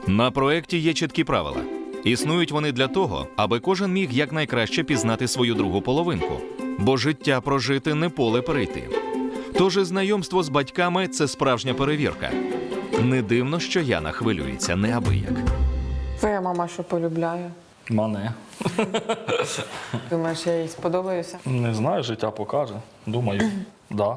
На проєкті є чіткі правила. Існують вони для того, аби кожен міг якнайкраще пізнати свою другу половинку. Бо життя прожити не поле перейти. Тож і знайомство з батьками – це справжня перевірка. Не дивно, що Яна хвилюється неабияк. Твоя мама що полюбляє? Мене. Думаєш, я їй сподобаюся? Не знаю, життя покаже. Думаю, да.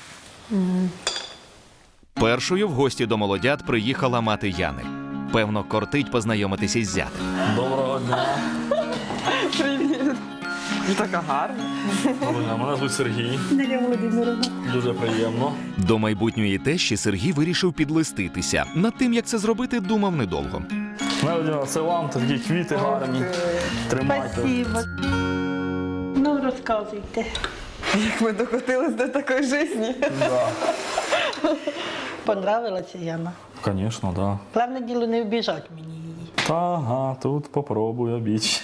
Першою в гості до молодят приїхала мати Яни. Певно, кортить познайомитися із зятем. Доброго дня. Привіт. Ви така гарна. Доброго дня. Мене звуть Сергій. Дар'я Володимировна. Дуже приємно. До майбутньої тещі Сергій вирішив підлиститися. Над тим, як це зробити, думав недовго. Володимир, це вам такі квіти гарні. Тримайте. Спасибо. Ну, розказуйте. Як ми докотились до такої житті. Да. Понравилася Яна? Звісно, да. Головне діло не вбіжать мені її. Ага, тут попробую обіч.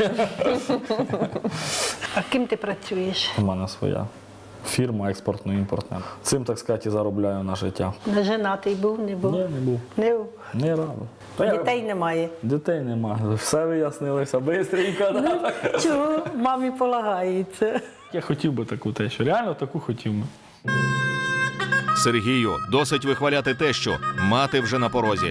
А ким ти працюєш? У мене своя фірма експортно-імпортна. Цим, так сказати, і заробляю на життя. Не женатий був, не був? Ні, не був. Не був. Не рано. Та я- Дітей немає. Дітей немає. Все вияснилося бистренько. Да? Чого? Мамі полагається. Я хотів би таку тещу. Реально таку хотів би. Сергію, досить вихваляти тещу. Мати вже на порозі.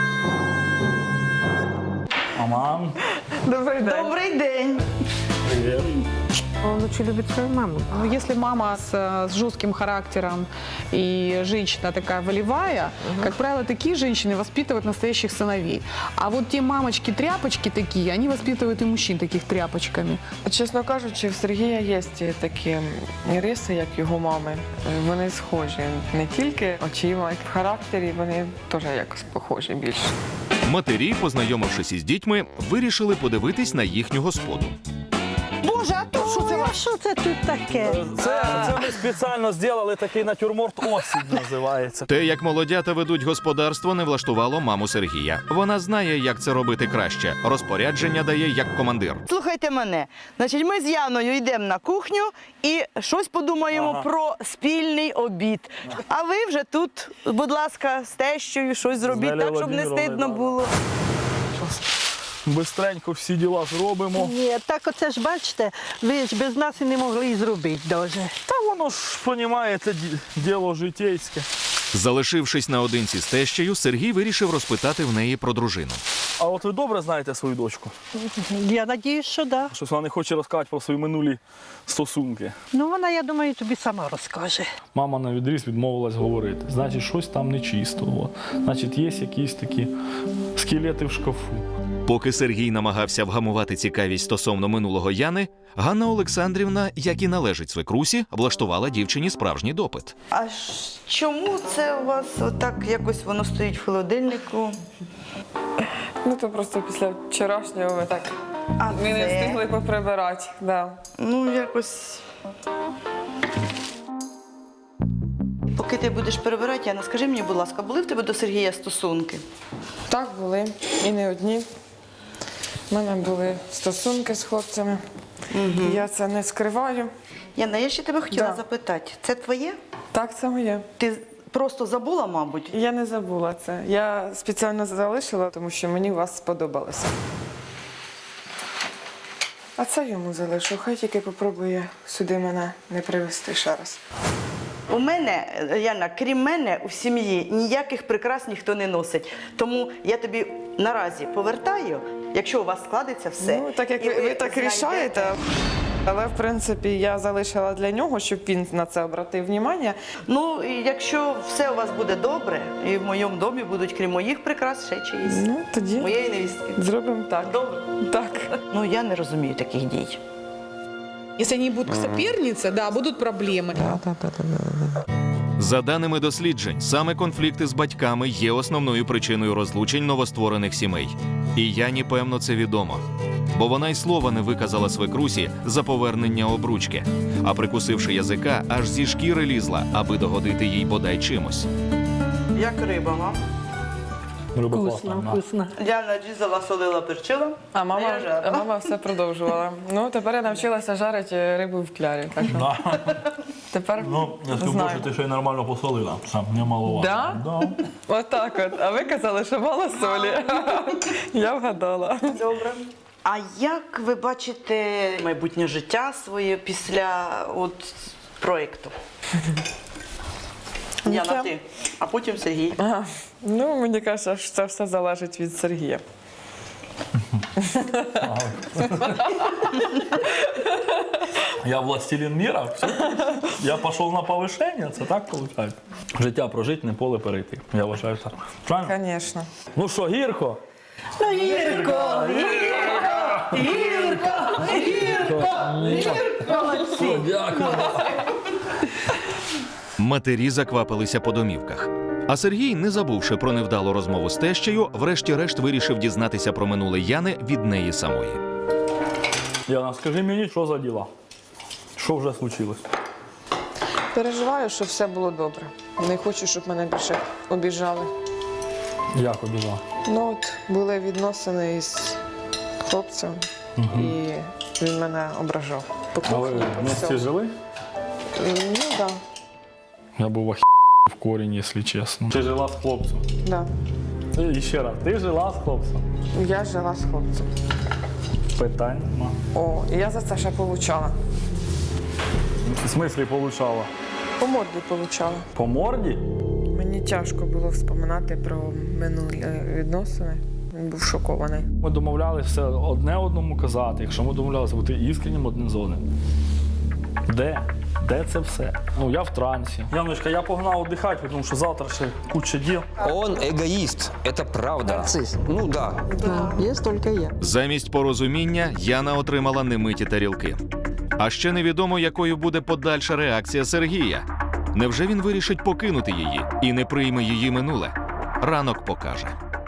Маман, Добрий день. Добрый день. привіт. Он очень любит свою маму. Но если мама с жестким характером и женщина такая волевая, как правило, такие женщины воспитывают настоящих сыновей. А вот те мамочки-тряпочки такие, они воспитывают и мужчин таких тряпочками. Чесно кажучи, в Сергія є такі риси, як його мами. Вони схожі не тільки очима, а й в характері вони теж якось похожі більше. Матері, познайомившись із дітьми, вирішили подивитись на їхню господу. Боже, а то що це Ой, а ваше? що це тут таке? Це ми спеціально зробили такий натюрморт «Осінь» називається. Те, як молодята ведуть господарство, не влаштувало маму Сергія. Вона знає, як це робити краще. Розпорядження дає як командир. Слухайте мене. Значить, ми з Яною йдемо на кухню і щось подумаємо про спільний обід. А ви вже тут, будь ласка, з тещою щось зробіть, Нелею так, щоб не Володимировною, стидно да. було. Бистренько всі діла зробимо. Ні, так оце ж бачите, ви ж без нас і не могли і зробити даже. Та воно ж, розумієте, діло житейське. Залишившись наодинці з тещею, Сергій вирішив розпитати в неї про дружину. А от ви добре знаєте свою дочку? Я надіюсь, що да. Щось вона не хоче розказати про свої минулі стосунки. Ну, вона, я думаю, тобі сама розкаже. Мама на відріз відмовилась говорити. Значить, щось там нечисто. От. Значить, є якісь такі скелети в шкафу. Поки Сергій намагався вгамувати цікавість стосовно минулого Яни, Ганна Олександрівна, як і належить свекрусі, влаштувала дівчині справжній допит. А чому це у вас отак якось воно стоїть в холодильнику? Ну то просто після вчорашнього ми так А ми не це? встигли поприбирати. Да. Ну, якось. Поки ти будеш перебирати, Яна, скажи мені, будь ласка, були в тебе до Сергія стосунки? Так були і не одні. У мене були стосунки з хлопцями. Я це не скриваю. Яна, я ще тебе хотіла Да. запитати. Це твоє? Так, це моє. Ти просто забула, мабуть? Я не забула це. Я спеціально залишила, тому що мені у вас сподобалося. А це йому залишу. Хай тільки попробує сюди мене не привезти ще раз. У мене, Яна, крім мене, у сім'ї ніяких прикрас ніхто не носить. Тому я тобі наразі повертаю, якщо у вас складеться все. Ну, так як і ви так знайдете- рішаєте. Але, в принципі, я залишила для нього, щоб він на це обратив увагу. Ну, і якщо все у вас буде добре, і в моєму домі будуть, крім моїх прикрас, ще чиїсь. Ну, тоді Моєї невістки. зробимо так. Добре? Так. Ну, я не розумію таких дій. Если они будут соперницы, да, будут проблемы. За даними досліджень, саме конфлікти з батьками є основною причиною розлучень новостворених сімей. І Яні, певно, це відомо. Бо вона й слова не виказала свекрусі за повернення обручки. А прикусивши язика, аж зі шкіри лізла, аби догодити їй бодай чимось. Як риба, га? Риба Вкусно, класна. вкусно. Діана різала, солила, перчила. А Я мама, жарила. а мама все продовжувала. Ну, тепер я навчилася жарити рибу в клярі. Так що Да. тепер Ну, я скажу, знаю. що ти ще й нормально посолила. Сам немаловато. Да? Да. Отак от. А ви казали, що мало солі. Я вгадала. Добре. А як ви бачите майбутнє життя своє після от проєкту? Діана, ти, а потім Сергій. Ага. Ну, мені кажеться, що це все залежить від Сергія. Я властелин міра, все. Я пішов на повишення, це так виходить? Життя прожити, не поле перейти. Я вважаю так. Правильно? Звісно. Ну що, гірко? Все, дякую. Матері заквапилися по домівках. А Сергій, не забувши про невдалу розмову з тещею, врешті-решт вирішив дізнатися про минуле Яни від неї самої. Яна, скажи мені, що за діла? Що вже случилось? Переживаю, щоб все було добре. Не хочу, щоб мене більше обіжали. Як обіжав? Ну от були відносини із хлопцем, і він мене ображав. А ви Покохав по вместе всьому. жили? Ну так, Я був в корінь, якщо чесно. Ти жила з хлопцем? да. І ще раз, ти жила з хлопцем? Я жила з хлопцем. Питань нема. О, і я за це ще получала. В смислі получала? По морді получала. По морді? Мені тяжко було вспоминати про минулі відносини. Він був шокований. Ми домовлялися все одне одному казати, якщо ми домовлялися бути іскреннім один з одним. Де? Де це все? Ну, я в трансі. Яночка, я погнав віддихати, тому що завтра ще куча діл. Он эгоист, это правда. Нарцисс. Ну да. Да, есть только я. Замість порозуміння Яна отримала немиті тарілки. А ще невідомо, якою буде подальша реакція Сергія. Невже він вирішить покинути її і не прийме її минуле? Ранок покаже.